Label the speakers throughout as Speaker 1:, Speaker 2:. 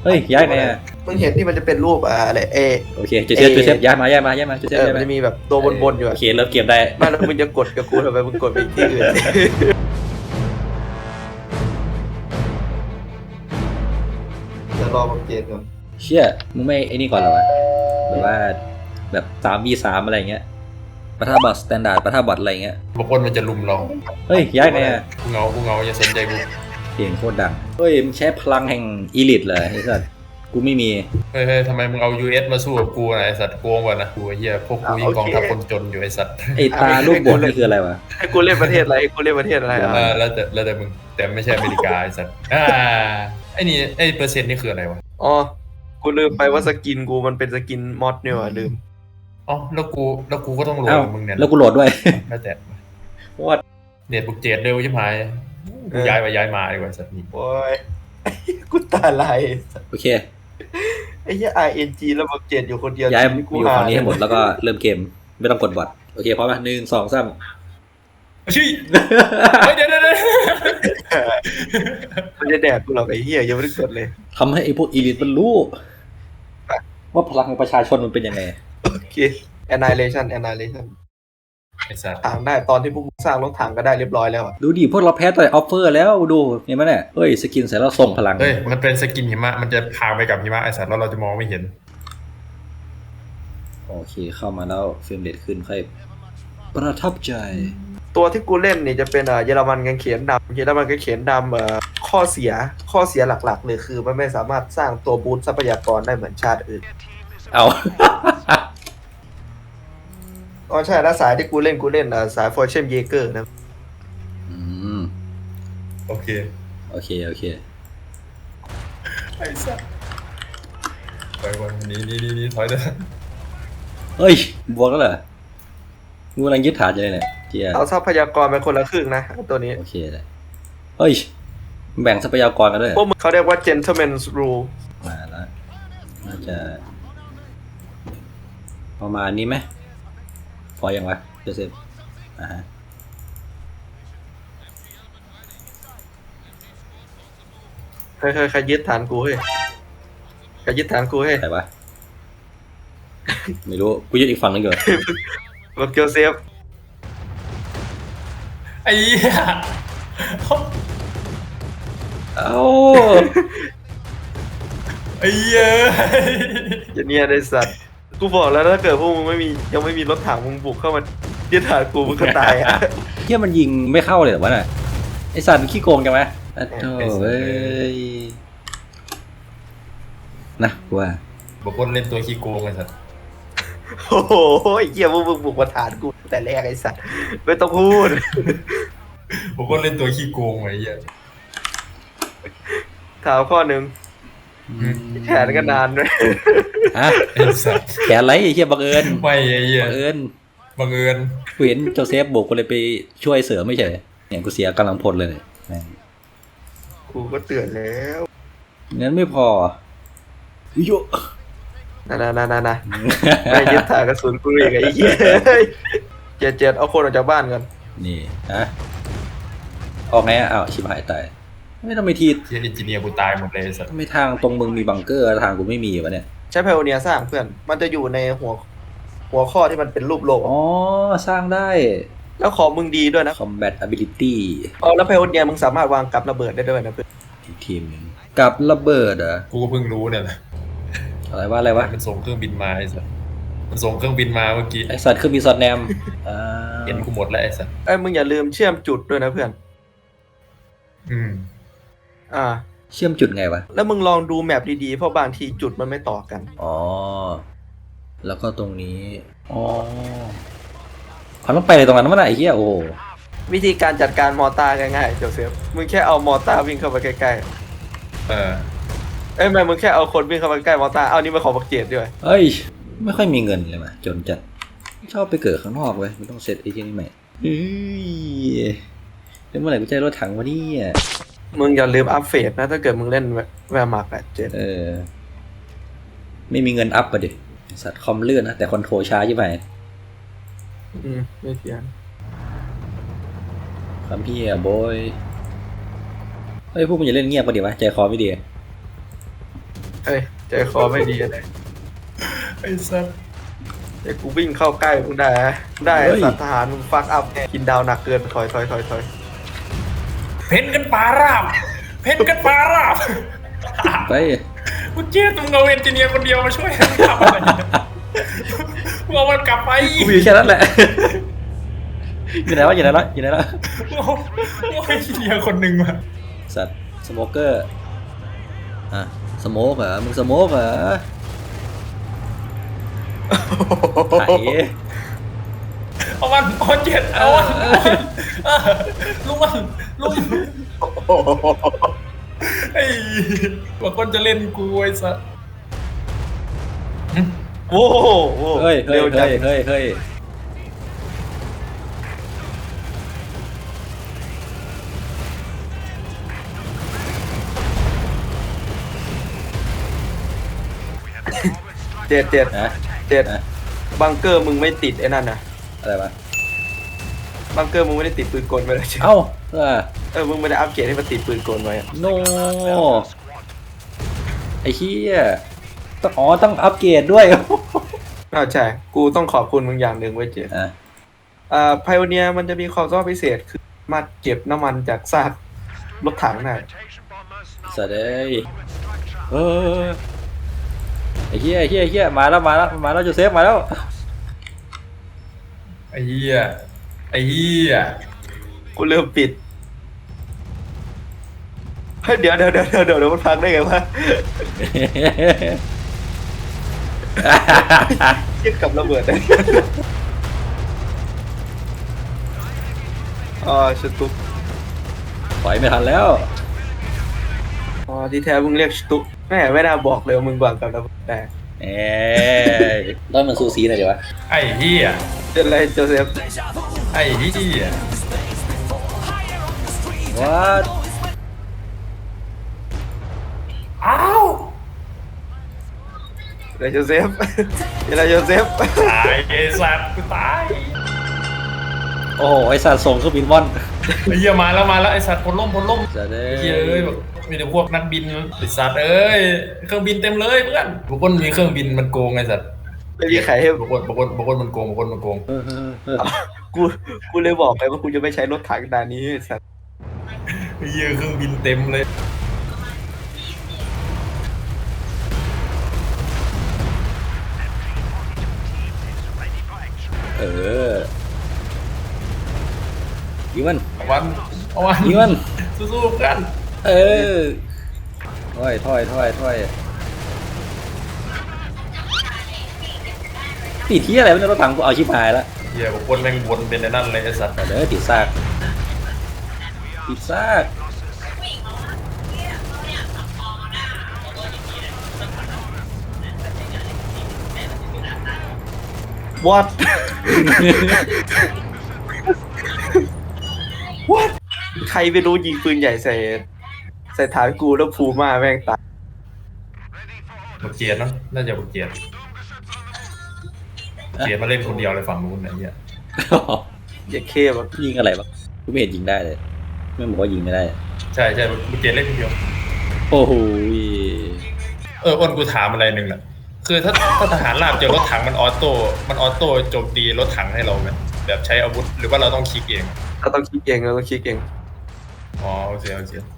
Speaker 1: ฮ้ยย้ายไงอ่ะ
Speaker 2: มึงเห็นที่มันจะเป็นรูปอะไร
Speaker 1: โอเคจูเซฟย้ายมาจูเซฟย้าย
Speaker 2: มัน
Speaker 1: มา
Speaker 2: จะมีแบบตัวบนๆอยู่
Speaker 1: โอ
Speaker 2: อะ
Speaker 1: เคเริ่มเกมได้
Speaker 2: ไม่แล้วมึงจะกดกับกูทำไมมึงกดไปที่อื่นจะรอบังเจนก่อน
Speaker 1: เชี่ยมึงไม่ไอ้นี่ก่อนเหรอวะหรือว่าแบบ3v3อะไรเงี้ยปะทะบอทสแตนดาร์ดปะทะบอทอะไรเงี้ย
Speaker 3: บางคนมันจะลุมเรา
Speaker 1: เฮ้ยย้ายไงอ่ะ
Speaker 3: กูเงาอย่าสนใจกู
Speaker 1: เสียงโคตรดังเฮ้ยมึงใช้พลังแห่งอีลิทเหรอไอ้สัสกูไม่มี
Speaker 3: เฮ้ยทำไมมึงเอา US มาสู้กับกูนะไอสัตว์โกงกว่านะกูเหี้ยพวกกูยิงกองทัพคนจนอยู่ไอสัตว์
Speaker 1: ไอ้ตาลูกบอลนี่คืออะไรวะ
Speaker 2: ให้กูเล่นประเทศอะไรให้กูเล่นประเทศอะไรอ่ะ
Speaker 3: แล้วแต่มึงแต่ไม่ใช่อเมริกาไอสัตว์ไอ้นี่ไอ้เปอร์เซ็นต์นี่คืออะไรวะ
Speaker 2: อ๋อกูลืมไปว่าสกินกูมันเป็นสกินมอดเนี่ยว่ะลืม
Speaker 3: อ๋อแล้วกูก็ต้องโหลด
Speaker 1: เอ้า
Speaker 3: กับมึงเนี่ย
Speaker 1: แล้วกูโหลดด้วย
Speaker 3: แล้วแต่
Speaker 1: วัด
Speaker 3: เน็ตบุกเจ็ดเร็วใช่ไหมกูย้ายมาดีกว่าสัตว์นี่
Speaker 2: โอ้ยกูตาลาย
Speaker 1: โอเค
Speaker 2: ไอ้เหี้ย RNG แล้วบังเจนอยู่คนเดียว
Speaker 1: ย้าย
Speaker 2: ที่
Speaker 1: อยู่ฝั่งนี้ให้หมดแล้วก็เริ่มเกมไม่ต้องกดบอทโอเคพร้อมไหม1 2 3
Speaker 3: ชี้เฮ้ยเดี๋ยว
Speaker 2: มันจะแดกกูหรอกไอ้เหี้ยยังไม่ได้กดเลย
Speaker 1: ทำให้ไอ้พวกอีลิทมันรู้ว่าพลังของประชาชนมันเป็นยังไง
Speaker 2: โอเค annihilation
Speaker 3: ไอสัตว์
Speaker 2: ถังได้ตอนที่พวกมึงสร้างรถถังก็ได้เรียบร้อยแล้วอะ
Speaker 1: ดูดิพวกเราแพ้ต่อยออฟเฟอร์แล้วดูเห็นไหมเนี่ยเฮ้ยสกินเสร็จแล้วส่งพลัง
Speaker 3: เฮ้ยมันเป็นสกินหิมะมันจะพาไปกับหิมะไอสัตว์แล้วเราจะมองไม่เห็น
Speaker 1: โอเคเข้ามาแล้วเฟรมเรทขึ้นค่อยประทับใจ
Speaker 2: ตัวที่กูเล่นนี่จะเป็นเยอรมันกางเขนดำเยอรมันกางเขนดำข้อเสียหลักๆเลยคือมันไม่สามารถสร้างตัวบูสต์ทรัพยากรได้เหมือนชาติอื่น
Speaker 1: เอา
Speaker 2: อ๋อใช่แล้วสายที่กูเล่นสายฟอร์เชมเยเกอร์นะ
Speaker 1: อืม
Speaker 3: โอเค
Speaker 1: โอเค
Speaker 3: ไอ้สัสไปวันนี้ถอยเด้อ
Speaker 1: เฮ้ยบวกแล้วเหรอกูกำลังยึดฐานอยู่เลยเนี่ยเจีย
Speaker 2: เอาทรัพยากรเป็นคนละครึ่งนะตัวนี้
Speaker 1: โอเคเลยเฮ้ยแบ่งทรัพยากรกันด้วยเหร
Speaker 2: พว
Speaker 1: อก
Speaker 2: มึงเขาเรียกว่า gentleman's rule
Speaker 1: มาแล้วน่าจะประมาณนี้ไหมพอยังวะเจเซฟฮะ
Speaker 2: ใครยึดฐานกูเฮ้ยใครยึดฐานกูเฮ้ย
Speaker 1: ใครวะไม่รู้กูยึดอีกฝั่งนึงอยู่
Speaker 2: บอกเกียวเซฟ
Speaker 3: ไอ้เหี้ย
Speaker 1: เอ้า
Speaker 3: ไอ้เหี้ย
Speaker 2: อย่าเนี่ยไอ้สัตว์กูบอกแล้วถ้าเกิดพวกมึงยังไม่มีรถถังมึงบุกเข้ามายึดฐานกูมึงก็ตายอ่ะ
Speaker 1: เฮียมันยิงไม่เข้าเลยเหรอวะน่ะไอสัตว์มันขี้โกงจังไหมอ่ะโธ่เอ้ยนะกูว่า
Speaker 3: บอกคนเล่นตัวขี้โกงไอ้สัส
Speaker 2: โอ้โหไอ้เหี้ยพวกมึงบุกมาฐานกูแต่แรกไอ้สัตว์ไม่ต้องพูด
Speaker 3: บอกคนเล่นตัวขี้โกงไอ้เหี้ย
Speaker 2: ถามข้อหนึ่งแขนก็นานด้วย
Speaker 1: ฮะ
Speaker 3: ไอ้สัส
Speaker 1: แขนไรไอ้เฮียบังเอิญ
Speaker 3: ไม่ไอ้เหี้ย
Speaker 1: บังเอิญ
Speaker 3: บังเอิญ
Speaker 1: กูเห็นโจเซฟบุกกูเลยไปช่วยเสือไม่ใช่เนี่ยกูเสียกำลังพลเลยแม่ง
Speaker 2: กูก็เตือนแล้ว
Speaker 1: งั้นไม่พอโย
Speaker 2: นะไม่ยึดฐานกระสุนกูอีกไอ้เหี้ยเจ็ดเอาคนออกจากบ้านกัน
Speaker 1: นี่ฮะออกไงอ่ะอ้าวชิบหายตายไม่ต้องไปที
Speaker 3: เหี้ยเอนจิเนียร์กูตายหมดเลยไอ้สัส
Speaker 1: ทำไมทางตรงมึงมีบังเกอร์ทางกูไม่มีวะเนี่ย
Speaker 2: ใช้ไพโอเนียสร้างเพื่อนมันจะอยู่ในหัวข้อที่มันเป็นรูปโลก
Speaker 1: อ๋อสร้างได้
Speaker 2: แล้วของมึงดีด้วยนะ
Speaker 1: combat ability
Speaker 2: แล้วไพโอเนียมึงสามารถวางกับระเบิดได้ด้วยนะเพื่อน
Speaker 1: อีกทีมหนึ่งกับระเบิดเหรอ
Speaker 3: กูก็เพิ่งรู้เนี่ยแหละ
Speaker 1: อะไรวะ
Speaker 3: มันส่งเครื่องบินมาไอ้สัสมันส่งเครื่องบินมาเมื่อกี้
Speaker 1: ไอสัตว์คือมีซอดแนมอ่า
Speaker 3: เห็นกูหมดแล้วไอ้สัส
Speaker 2: มึงอย่าลืมเชื่อมจุดด้วยนะเพื่อน
Speaker 3: อืม
Speaker 1: เชื่อมจุดไงวะ
Speaker 2: แล้วมึงลองดูแมปดีๆเพราะบางทีจุดมันไม่ต่อกัน
Speaker 1: อ๋อแล้วก็ตรงนี้อ๋อเขาต้องไปเลยตรงนั้นมั้งไอ้เหี้ยโอ้
Speaker 2: วิธีการจัดการมอร์ตาร์ง่ายๆโจเซฟมึงแค่เอามอร์ตาร์วิ่งเข้าไปใกล้
Speaker 3: เออ
Speaker 2: ๆไม่มึงแค่เอาคนวิ่งเข้าไปใกล้มอร์ตาร์เอานี่มาขอบักเจดด้วย
Speaker 1: เอ้ยไม่ค่อยมีเงินเลยว่ะจนจัดชอบไปเกิดข้างนอกเว้ยไม่ต้องเซตไอ้ที่นี่ใหม่เฮ้ยแล้วเมื่อไหร่กูจะได้รถถังวะเนี่ย
Speaker 2: มึงอย่าลืมอัพเฟสนะถ้าเกิดมึงเล่นแวร์มาร์ก8
Speaker 1: ไม่มีเงินอัพอะดิสัตว์คอมเลื่อนนะแต่คอนโทรลช้าใช่ไหม
Speaker 2: ไม่เทียน
Speaker 1: คำพี่อะโบยเฮ้ยพวกมึงอย่าเล่นเงียบกันดิวะใจคอไม่ดี
Speaker 2: เฮ้ยใจคอไม่ดีอะไร
Speaker 3: ไอ้สัตว์
Speaker 2: เดี๋ยวกูวิ่งเข้าใกล้มึงได้นะได้สัตว์ทหารมึงฟักอัพเนี่ยกินดาวหนักเกินถอย
Speaker 3: เพ่นกันปลาราบเพ่นกันปลาราบ
Speaker 1: ไป
Speaker 3: กูเจ๊ตรงเอาเอนจิเนียร์คนเดียวมาช่วยกันทำอะไรมึงเอามันกลับไป
Speaker 1: กูมีแค่นั้นแหละ อยู่ไหนวะอยู่ไหนละอยู่ไหนละ
Speaker 3: มึงเอาเอนจิเนียร์คนหนึ่งมา
Speaker 1: สัตว์สโมเกอร์อ่ะสโมกเหรอมึงสโมกเหรอไถ
Speaker 3: เอามันเอาเจ็ดเอามันลุงมันไอ้ว่าคนจะเล่นกูไอ้สัส
Speaker 2: โอ้โห
Speaker 1: เฮ้ยเฮ้
Speaker 2: เร็
Speaker 1: ยว
Speaker 2: จั
Speaker 1: เฮ้
Speaker 2: ง
Speaker 1: ยเฮ้ยเฮ้ย
Speaker 2: เจ็ด
Speaker 1: นะ นะ
Speaker 2: บังเกอร์มึงไม่ติดไอ้นั่นนะ
Speaker 1: อะไรวะ
Speaker 2: บังเกอร์มึงไม่ได้ติดปืนกลไว้เลยใช่ไหม
Speaker 1: เอ้า
Speaker 2: มึงไม่ได้อัปเกรดให้มันติดปืนกลไว้อะ
Speaker 1: โนไอ้เหี้ยต้องต้องอัปเกรดด้วย
Speaker 2: ใช่กูต้องขอบคุณมึงอย่างหนึ่งไว้เจ็ด ไพโอเนียมันจะมีความสามารถพิเศษคือสามารถเก็บน้ำมันจากซากรถถังได้
Speaker 1: สวัสดีเออไอ้เหี้ยไอ้เหี้ยไอ้เหี้ยมาแล้วมาแล้วมาแล้วโจเซฟมาแล้ว
Speaker 3: ไอ้เหี้ยไอ้เหี้ย
Speaker 2: กูเริ่มปิดเฮ้ยเดี๋ยวมันพังได้ไงวะเทียบกับระเบิดได้ชตุก
Speaker 1: ถอยไม่ทันแล้ว
Speaker 2: ที่แท้มึงเรียกชตุกแม่ไม่น่าบอกเลยว่ามึงบังกับระเบิดได้
Speaker 1: เอ้ยต้นมันซูซีหน่อยดีวะ
Speaker 3: ไอ้เหี้ย
Speaker 2: เป็นไรโจเซฟ
Speaker 3: ไอ้เหี้ย
Speaker 1: วัด
Speaker 3: อ้าว
Speaker 2: เป็นไรโจเซฟเป็นไรโจเซฟ
Speaker 3: ตายไอ้สัตว์กูตาย
Speaker 1: โอ้โหไอสัตว์ส่งเครื่องบินว่อน
Speaker 3: ไอ้เหี้ยมาแล้วไอ้สัตว์พลล่ม
Speaker 1: จะได้
Speaker 3: ไอ้เหี้ยเอ้ยแบบมีแต่พวกนักบินไอ้สัตว์เอ้ยเครื่องบินเต็มเลยเพื่อนบางคนมีเครื่องบินมันโกงไอ้สัตว์
Speaker 2: ไม่มีใครให้
Speaker 3: บางคนมันโกงบางคนมันโกง
Speaker 2: กูเลยบอกไปว่ากูจะไม่ใช้รถถังด่านนี้สัตว์
Speaker 3: ไอ้เหี้ยเครื่องบินเต็มเลย
Speaker 1: เออยิงมัน
Speaker 3: เอาวัน
Speaker 1: ยิงมัน
Speaker 3: สู้ๆกัน
Speaker 1: เออถอยติดที่อะไรไม่รู้รถถังกูเอาชิบหายแล้ว
Speaker 3: เหี้ยบางคนแม่งวนเป็นไอ้นั่นเลยไอ้สัตว์
Speaker 1: แต่เด้อติดซาก
Speaker 2: วัด วัดใครไม่รู้ยิงปืนใหญ่ใส่ฐานกูแล้วภูมาแม่งตาย
Speaker 3: บักเกียรติเนาะน่าจะบักเกียรติมาเล่นคนเดียวเลยฝั่งนู้นไอ้เหี้ย
Speaker 2: อย่าเข้แบบ
Speaker 1: ยิงอะไรวะกูไม่เห็นยิงได้เลยไม่บอกว่ายิงไม่ได้
Speaker 3: ใช่บักเกียรติเล่นคนเดียว
Speaker 1: โอ้โห
Speaker 3: อ้นกูถามอะไรหนึ่งแหละคือถ้าทหารราบเจอรถถังมันออโต้โจมตีรถถังให้เราไหมแบบใช้อาวุธหรือว่าเราต้องคลิกเอง
Speaker 2: เราต้องคิดเองเราต้องคิดเอง
Speaker 3: อ๋อโอเค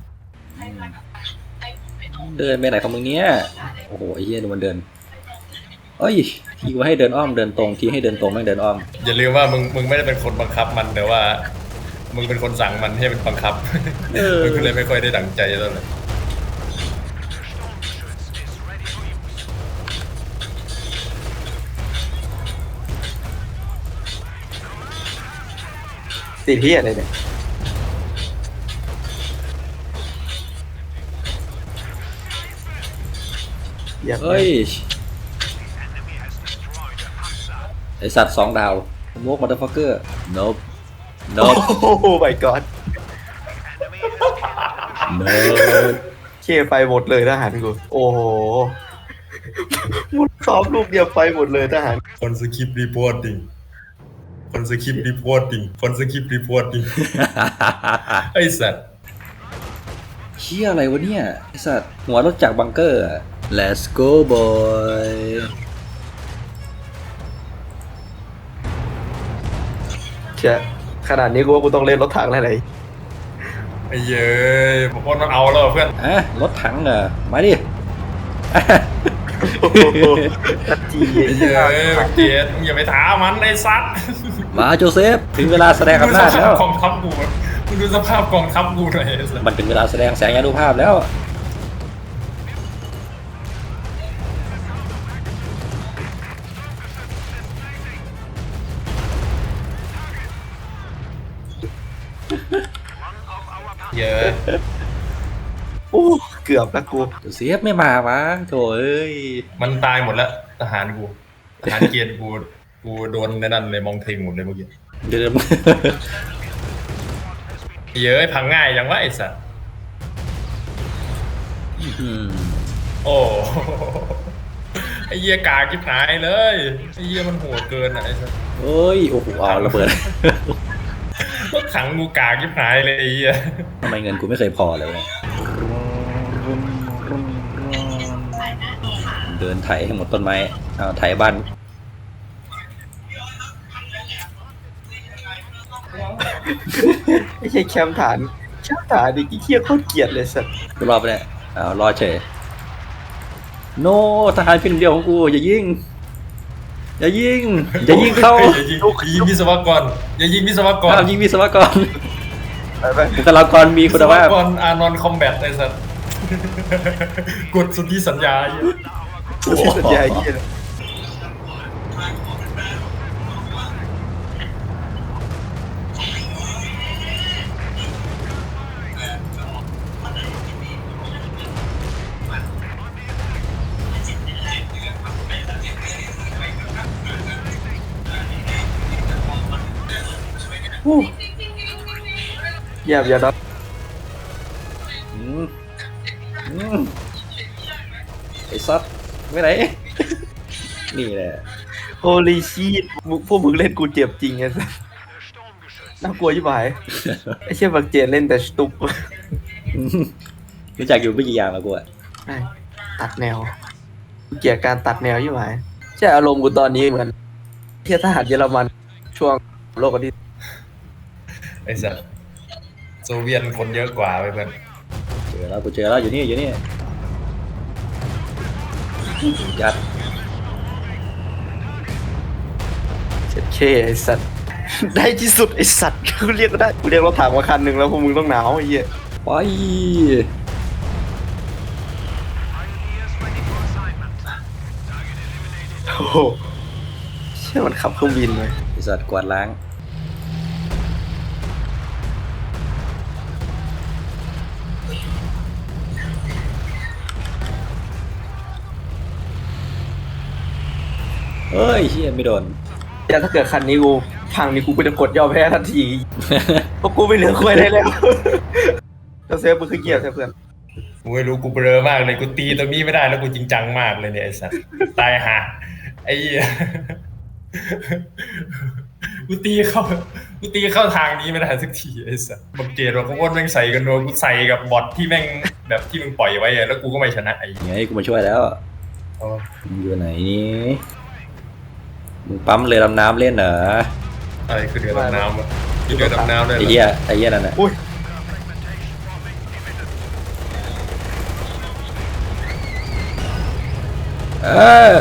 Speaker 1: เดินไปไหนของมึงเนี้ยโอ้โหไอ้เหี้ยดูมันเดินเอ้ยทีว่าให้เดินอ้อมเดินตรงทีให้เดินตรงไม่เดินอ้อม
Speaker 3: อย่าลืมว่ามึงไม่ได้เป็นคนบังคับมันแต่ว่ามึงเป็นคนสั่งมันให้มันบังคับมึงก็เลยไม่ค่อยได้ดั่งใจเท่าไหร่
Speaker 2: ติดที่อะไรเนี่ยอย่า
Speaker 1: เฮ้ยไอสัตว์2 ดาวโมกมัตเตอร์ฟักเกอร์ nope
Speaker 2: โอ้โห my god เคไฟหมดเลยทหารกูโอ้โหมุดซ้อมลูกเดียวไฟหมดเลยทหาร
Speaker 3: คนสคริปต์รีพอร์ติ้งไอ้สัตว์
Speaker 1: เชี่ยอะไรวะเนี่ยไอสัตว์หัวรถจากบังเกอร์อะ let's go boy
Speaker 2: เชี่ยขนาดนี้กูว่ากูต้องเล่นรถถังแล้วไหน
Speaker 3: ไอ้เย้ยผมว่ามันเอาแล้วเพื่อน
Speaker 1: อ่ะรถถังเหรอมาดิ
Speaker 2: โอ้โหตัดจี
Speaker 3: ไอ้เย้ยเกตมึงอย่าไปท้ามันไอ้ซัด
Speaker 1: มาโจเซฟถึงเวลาแสดงอำนาจแล้ว
Speaker 3: กองทัพกูมึงดูสภาพกองทัพกูหน่อยไอ้สัส
Speaker 1: มันถึงเวลาแสดงแสงยานุภาพแล้ว
Speaker 3: เย้ย
Speaker 2: โอ้เกือบนะกู
Speaker 1: โจเซฟไม่มาวะโถเอ้ย
Speaker 3: มันตายหมดแล้วทหารกูทหารเกียรติกูโดนในนั่นเลยมองเทงหมดเลยเมื่อกี้
Speaker 1: เดิม
Speaker 3: เย้ยพังง่ายจังวะไอ้สัส
Speaker 1: อืม
Speaker 3: โอ้ไอ้เหี้ยกากกิ๊บหายเลยไอ้เหี้ยมันโหดเกินอ่ะไอ้สัส
Speaker 1: โอ้ยโอ้โหเอาระเบิด
Speaker 3: รถถังกูกากกิ๊บหายเลยไอ้เหี้ย
Speaker 1: ทำไมเงินกูไม่เคยพอเลยวะเดินไถให้หมดต้นไม้เอาไถบ้าน
Speaker 2: ไม่ใช่แคมป์ฐานดิกี้เคี้ยโคตรเกลียดเลยสัตว์
Speaker 1: กูรอไปเนี่ยเอารอเฉยโนทหารเพียงเดียวของกูอย่ายิงอย่ายิงอย่ายิงเข้า
Speaker 3: อย่ายิงวิศวกรอย่ายิงวิศวกร
Speaker 1: ห้ามยิงวิศวกร
Speaker 2: ไปไป
Speaker 1: บุคลากรมีคุณภาพ
Speaker 3: วิศวกรอานอนคอมแบทไอ้สัสกดสุทธิสัญญาไอ้เหี้ย
Speaker 2: ที่สัญญาเยี่ยเลย เยี่ยมอย่าดับ
Speaker 1: อืมอืมไอ้ซัดไม่ไหน นี่แหละ
Speaker 2: โฮลีชีตพวกมึงเล่นกูเจ็บจริงไงสัสน่ากลัวยิ่งไปไอ้เชี่ยบักเจนเล่นแต่สตุก
Speaker 1: อืมรู้จักอยู่ไม่กี่อย่างแล้วกูอะ
Speaker 2: ใช่ตัดแนวเกลียดการตัดแนวยิ่งไปใช่อารมณ์กูตอนนี้เหมือนเที่ยทหารเยอรมันช่วงโลกอันที่
Speaker 3: ไอ้สัสโซเวียตคนเยอะกว่าไปเพื่อน
Speaker 1: เจอแล้วกูเจอแล้วอยู่นี่ยัด
Speaker 2: เจ็ดเคไอ้สัตว์ ได้ที่สุดไอ้สัตว์กูเรียกก็ได้กูเรียกรถถังมาคันหนึ่งแล้วพวกมึงต้องหนาวไอ้เหี้ย
Speaker 1: ไป
Speaker 2: โอ้โหเชื่อมันขับเครื่องบินเลย
Speaker 1: ไอ้สัตว์กวาดล้างเฮ้ยเชี่ยไม่โดน
Speaker 2: แต่ถ้าเกิดคันนี้กูพังนี่กูก็จะกดยอมแพ้ทันทีเพราะกูไม่เหลือคุยได้แล้วแล้วเซฟมึงคือเกียร์ใช่เพื่อน
Speaker 3: กูไม่รู้กูเบลอมากเลยกูตีตรงนี้ไม่ได้แล้วกูจริงจังมากเลยเนี่ยไอ้สัสตายห่าไอ้เหี้ยกูตีเข้าทางนี้ไม่ได้สักทีไอ้สัสบังเกตว่ากูว่าแม่งใส่กันโดนกูใส่กับบอทที่แม่งแบบที่มึงปล่อยไว้อะแล้วกูก็ไม่ชนะไอ้เหี้ย
Speaker 1: ไงกูมาช่วยแล้ว
Speaker 3: เอา
Speaker 1: มึงอยู่ไหนนี่มึงปั๊มเรือดำน้ำเล่นเหรอ
Speaker 3: อะไรคือเรือดำน้ำอะคือเรือดำน้ำเลย
Speaker 1: ไอ้
Speaker 3: เหรอ
Speaker 1: เหี้ยไอ้เหี้ยนั่นน่ะ
Speaker 2: อุ้ย
Speaker 1: เออ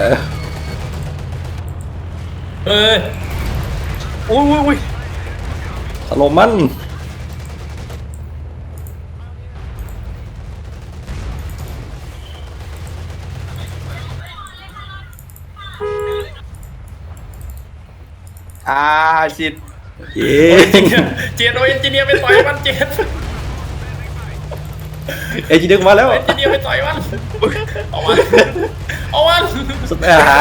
Speaker 3: เฮ้ย
Speaker 2: อุ้ย
Speaker 1: ถล่มมัน
Speaker 2: ชิด
Speaker 1: เย้
Speaker 3: เจนโอเอนจิเนียร์ไปต่อยมันเจน
Speaker 1: เอจิดึงมาแล้ว
Speaker 3: เอนจิเนียร์ไปต่อยมันเอามันเอามัน
Speaker 1: สุดอาหาร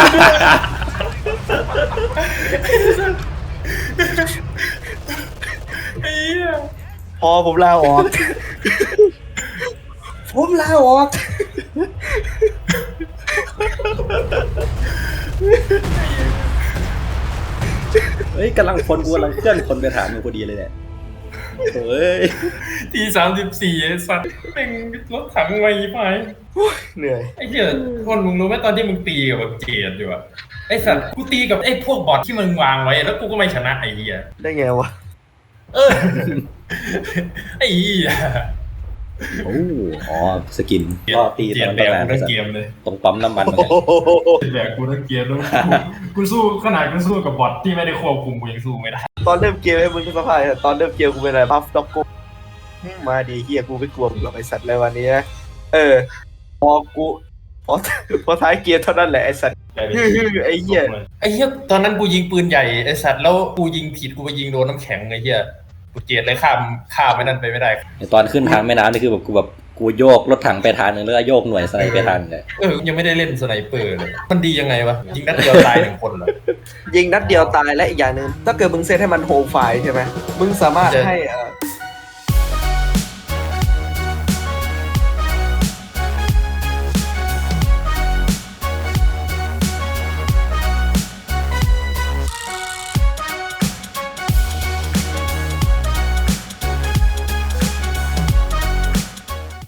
Speaker 3: ไอ้เหี้ย
Speaker 2: พอผมลาออก ผมลาออก
Speaker 1: เฮ้ยกำลังกูกำลังเคลื่อนคนไปถามมึงพอดีเลยเนี่ยเฮ้ย
Speaker 3: ที34ไอ้สัตว์เป็นรถถังไวไป
Speaker 2: เหนื่อย
Speaker 3: ไอ้เหี้ยคนมึงรู้ไหมตอนที่มึงตีกับเจดอยู่อะไอ้สัตว์กูตีกับไอ้พวกบอทที่มึงวางไว้แล้วกูก็ไม่ชนะไอ้เหี้ย
Speaker 2: ได้ไงวะ
Speaker 3: เออ ไอ้เหี้ย
Speaker 1: โอ้อ๋อสกินก็ตี
Speaker 3: เจ
Speaker 1: ตอ
Speaker 3: ด
Speaker 1: น
Speaker 3: แบ
Speaker 1: ตั้ง
Speaker 3: ก
Speaker 1: นาน
Speaker 3: กูทั้งเกมเลย
Speaker 1: ตรงปั๊มน้ำมันเหมือนกัน
Speaker 3: แบกกูทั้งเกมแล้วกูสู้ขนาดกูสู้กับบอทที่ไม่ได้ควบคุมกูยังสู้ไม่ได้
Speaker 2: ตอนเริ่มเกมให้มึงสภาพตอนเริ่มเกมกูเป็นอะไรบัฟด็อกกูมาดีเฮียกูไม่กลัวมึงหรอกไอสัตว์เลยวันนี้นะพอกูพอท้ายเกมเท่านั้นแหละไอสัตว์ไอเฮีย
Speaker 3: ไอ้เหี้ยตอนนั้นกูยิงปืนใหญ่ไอ้สัตว์แล้วกูยิงผิดกูไปยิงโดนน้ำแข็งไอ้เหี้ยกูเจดเลยข้ามไม่นั่นไปไม่ได้
Speaker 1: ตอนขึ้นทางแม่น้ำนี่คือแบบกูโยกรถถังไปทางนึงแล้วก็โยกหน่วยสไนไปทางนึงเลย
Speaker 3: ยังไม่ได้เล่นสไนเปอร์เลยมันดียังไงวะยิงนัดเดียวตาย1 คนเหรอ
Speaker 2: ยิงนัดเดียวตายและอีกอย่างหนึ่งถ้าเกิดมึงเซตให้มันโฮมไฟล์ใช่ไหมมึงสามารถให้